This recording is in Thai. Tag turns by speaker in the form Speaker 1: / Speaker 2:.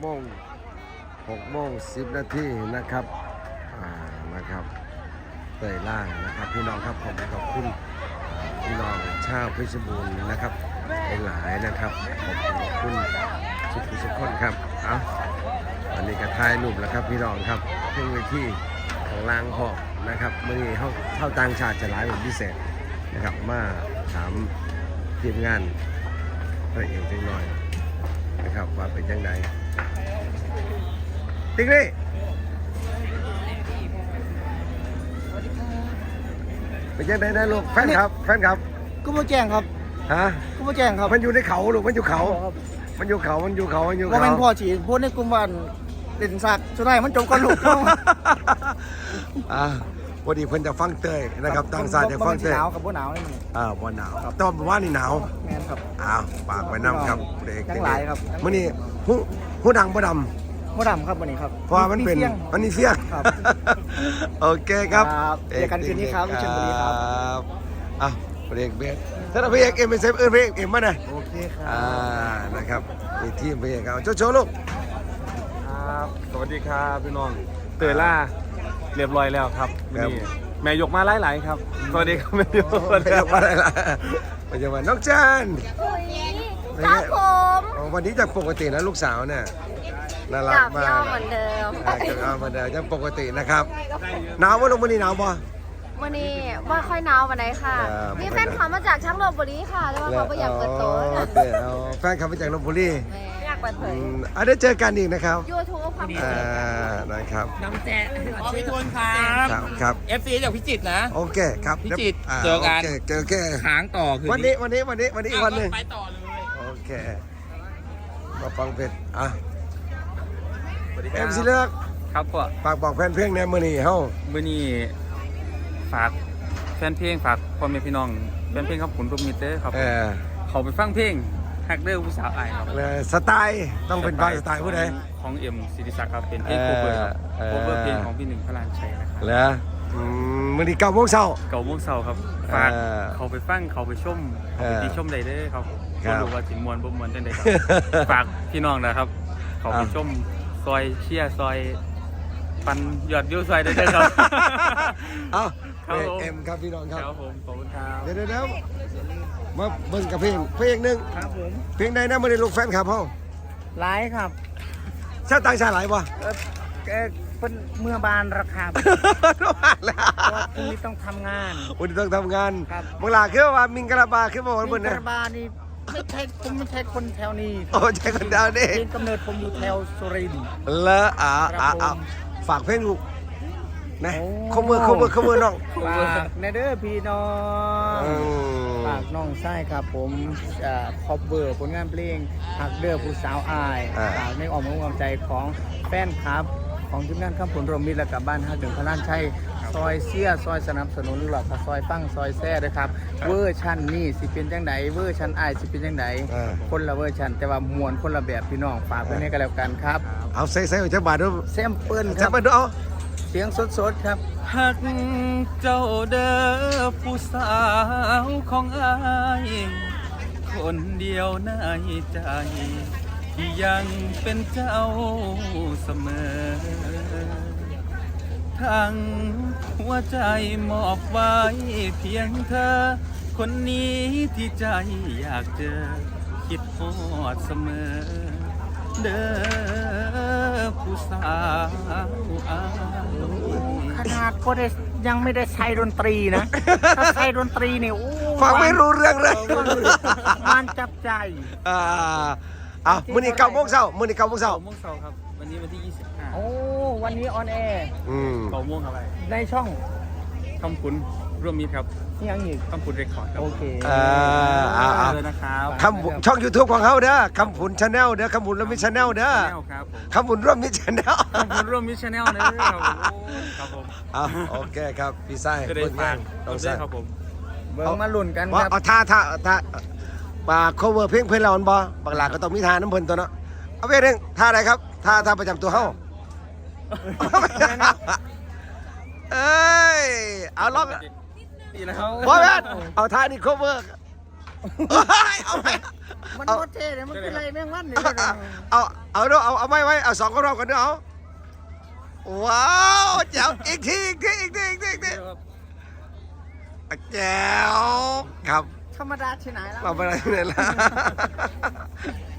Speaker 1: 6:10 นาทีนะครับนะครับเตยล่านะครับพี่น้องครับผมขอบคุณพี่น้องชาวเพชรบูรณ์นะครับหลายนะครับขอบคุณทุกคนครับเอาวันนี้ก็ถ่ายรูปแล้วครับพี่น้องครับเพิ่งไปที่ของลางหอกนะครับเมื่อนี้เข้าต่างชาติจะหลายเป็นพิเศษนะครับมาถามทีมงานพระเอกจังหน่อยนะครับว่าเป็นยังไงติ๊กนี่เป็นยังไงนะลูกแฟนครับ
Speaker 2: ก็มาแจ้งครับ
Speaker 1: ฮะ
Speaker 2: ก็มาแจ้งครับ
Speaker 1: มันอยู่ในเขาลูกมันอยู่เขา
Speaker 2: ว่าเป็นพ่อฉีดพูดในกลุ่มวันเด่นสักสุดท้ายมันจบกันลูก
Speaker 1: วันนี้เพิ่นจะฟังเตยนะครับต่างชาติจะฟังเตย
Speaker 2: หนาวกับบ่หนาวนี่
Speaker 1: บ่หนาวแต่ว่านี่หนาว
Speaker 2: แม่นครับ
Speaker 1: ปากไว้น้ำครับเด็ก
Speaker 2: ทั้งหลายครับ
Speaker 1: มื้อนี้หูดังบ่ดำ
Speaker 2: ครับวันนี้ครับ
Speaker 1: เพราะมันเป็นมันนี่เฟี้ยง
Speaker 2: ครับ
Speaker 1: โอเคครับ
Speaker 2: เจอกันคืนนี้ครับวิเชียรบุรีครับ
Speaker 1: เบรกเบสถ้าพี่เอกเป็นเซฟพี่เอกมาหน่อย
Speaker 2: โอเคครับ
Speaker 1: นะครับมีทีมพี่เอกเอาโชว์ลูก
Speaker 3: ครับสวัสดีครับพี่น้องเตยล่าเรียบร้อยแล้วครับนี่แม่ยกมาหลายๆครับสวัสดีครับแม่ยก
Speaker 1: มาหลายปัจจุบันน้องจัน
Speaker 4: ครับผม
Speaker 1: วันนี้จากปกตินะลูกสาวเนี่ยน่ารักมาก
Speaker 4: เหมือนเดิม
Speaker 1: เหมือนเดิมยังปกตินะครับหนาวว่าลงวันนี้หนาวป่ะ
Speaker 4: วันนี้ว่าค่อยหนาววันไหนค่ะนี่แฟนขับมาจากช่างลบบุรีค่ะแล้วเขาไปอยากเปิดโต๊ะ
Speaker 1: แฟนขับมาจากลบบุรี
Speaker 4: อยากเปิดเผย
Speaker 1: ได้เจอกันอีกนะครับ
Speaker 4: YouTube ครับ
Speaker 1: นะครับ
Speaker 2: น้ำแจ๊พี่ทุนครับ FC จากพิจิตรนะ
Speaker 1: โอเคครับ
Speaker 2: พิจิตรเจอกันค้างต่อคือ
Speaker 1: วันนี้อีกวันหนึ่ง
Speaker 2: ไปต่อเลย
Speaker 1: โอเคมาฟังเพลงเอ็มซีเลือก
Speaker 3: ครับพ่อ
Speaker 1: ฝากบอกแฟนเพลงในมื้อนี้เฮา
Speaker 3: มื้อนี้ฝากแฟนเพลงฝากพ่อแม่พี่น้องแฟนเพลงครับคุณทุกมิตรเด้อครับเขาไปฟังเพลงฮักเด้อผู้สาวอายครับ
Speaker 1: สไตล์ต้องเป็นสไตล์ผู้ใด
Speaker 3: ของเอ็มศิริศักดิ์ครับเป็นเพลงโคเวอร์ครับโคเวอร์เพลงของพี่หนึ่งพระรานชัยนะครับ
Speaker 1: แล้วมื้อนี้9:00 น
Speaker 3: ครับฝากเขาไปฟังเขาไปชมเขาไปชมได้เด้อครับบ่รู้ว่าสิม่วนบ่ม่วนจังได๋ครับฝากพี่น้องนะครับเขาไปชมซอยเชียร์ซอยปันยอดวิวซอยได้เลยครับ
Speaker 1: เอ็มครับพี่น้องครับ
Speaker 3: ครับผมขอบคุณครับ
Speaker 1: เดี๋ยวมาเบิ่งกับเพลงหนึ่ง
Speaker 2: ครับผม
Speaker 1: เพลงใดนะไม่ได้ลูกแฟนครับพ่อ
Speaker 2: หลายครับ
Speaker 1: ชาติต่างชาติหลายป่ะ
Speaker 2: เป็นเมื่อบานราคา
Speaker 1: แล้ว
Speaker 2: วันนี้ต้องทำงาน
Speaker 1: เมื่อไหร่คือว่ามิงกะลาบาคือว่า
Speaker 2: มิงกะลาบานี่ไม่ใช่คนแถวนี้
Speaker 1: ใช่คนแถวนี้
Speaker 2: กำเนิดผมอยู่แถวสุรินทร์
Speaker 1: แล้วฝากเพลงลูกนะขมือน้อง
Speaker 2: ฝากในเด้อพี่น้องฝากน้องไส้ครับผมคอปเวอร์ผลงานเพลงหักเด้อผู้สาวอายฝากในอ้อมอกอ้อมใจของแฟนคลับของทีมงานข้ามผลรวมมิตรและกับบ้านฮักถึงพระล้านชัยซอยเสียซอยสนับสนุนหลอกซอยฟังซอยแซ่ด้วยครับเวอร์ชันนี่สิเป็นจังไดเวอร์ชันอายสิเป็นจังไดคนละเวอร์ชันแต่ว่ามวลคนละแบบพี่น้องฝากไว้ให้กันแล้วกันครับ
Speaker 1: เอาใส่จะบาดด้วย
Speaker 2: แซมเปิล
Speaker 1: ครับมาดูเอา
Speaker 2: เสียงสดๆครับ
Speaker 3: หักเจ้าเด้อผู้สาวของอายคนเดียวในใจที่ยังเป็นเจ้าเสมอทั้งหัวใจมอบไว้เพียงเธอคนนี้ที่ใจอยากเจอคิดฮอดเสมอเด้อผู้สาว
Speaker 2: ขนาดก็ได้ยังไม่ได้ใช้ดนตรีนะถ้าใช้ดนตรีเนี่ย
Speaker 1: ฟังไม่รู้เรื่องเลย
Speaker 2: มันจับใจ
Speaker 1: มื้อนี้9:00 นมื้อนี้9:00 น
Speaker 3: ครับวันนี้วันที่25
Speaker 2: โอ้วันนี้ออนแอร์
Speaker 3: 9:00 นอะไร
Speaker 2: ในช่อง
Speaker 3: คำคุณร่วมมิตรครับ
Speaker 2: ยังอีก
Speaker 3: คำคุณเรคคอร์ดครับ
Speaker 2: โอเค
Speaker 3: นะครับ
Speaker 1: ช่อง YouTube ของเขาเด้อคำผุนชาแนลเด้อคำผุนร่วมมิตรชาแนลเด้อคำผุนร่วมมิตรชาแนล
Speaker 3: ครับผม
Speaker 1: โอเคครับพี่ไส้
Speaker 3: ผลงานต้องใช่ครับผม
Speaker 2: เบิ่งมาลุ้นกันครับ
Speaker 1: ท่าปาก cover เพลงเพิ่นเราอันบ่บางหลาก็ต้องมีท่าน้ำเพิ่นตัวเนาะเอาเพลงท่าอะไรครับท่าประจำตัวเฮาเอาล็อก
Speaker 3: ดีแล้ว
Speaker 1: บอสเอาท่านี้ cover เอาไป
Speaker 2: มันโคตรเท่เลยมันเป็นไรแม่งวันเนี่ย
Speaker 1: เอาด้วยเอาไม่ไว้เอา2 รอบกันด้วยเอาว้าวแจ๋วอีกทีแจ๋วครับ
Speaker 2: ธรรมดาที่ไหนแล้ว
Speaker 1: มาไปไหนเนี่ยล่ะ